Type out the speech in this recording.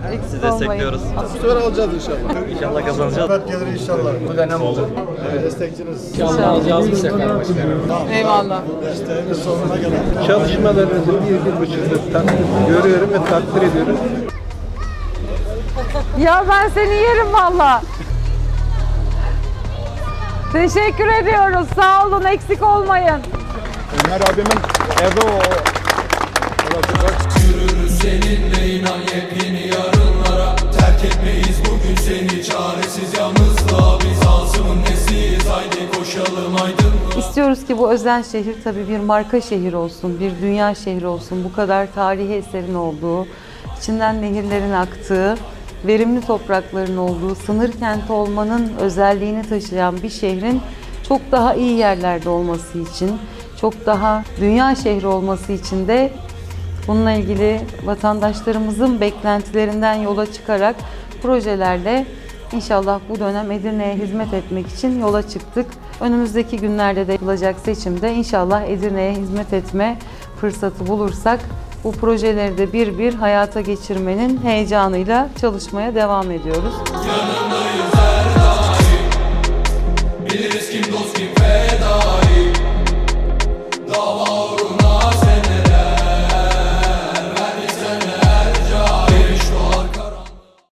Sizi destekliyoruz. Bu sefer alacağız inşallah. İnşallah kazanacağız. Evet gelir inşallah. Bu dönem olur. Destekçiniz. İnşallah alacağız bu sefer başkanım. Eyvallah. Desteğimiz sonuna gelen. Çalışmalarınızı bir buçuk yıl görüyorum ve takdir ediyorum. Ya ben seni yerim valla. Teşekkür ediyoruz. Sağ olun, eksik olmayın. Ömer abimin evi o. Yürürüz seninle inan yepyeni yarınlara. Terk etmeyiz bugün seni çaresiz yalnızlığa. Biz Asım'ın nesiyiz haydi koşalım aydınlığa. İstiyoruz ki bu özel şehir tabii bir marka şehir olsun, bir dünya şehri olsun. Bu kadar tarihi eserin olduğu, içinden nehirlerin aktığı, verimli toprakların olduğu, sınır kenti olmanın özelliğini taşıyan bir şehrin çok daha iyi yerlerde olması için, çok daha dünya şehri olması için de bununla ilgili vatandaşlarımızın beklentilerinden yola çıkarak projelerle inşallah bu dönem Edirne'ye hizmet etmek için yola çıktık. Önümüzdeki günlerde de yapılacak seçimde inşallah Edirne'ye hizmet etme fırsatı bulursak bu projeleri de bir bir hayata geçirmenin heyecanıyla çalışmaya devam ediyoruz. Yanındayız her daim. Biliriz kim dost kim fedai.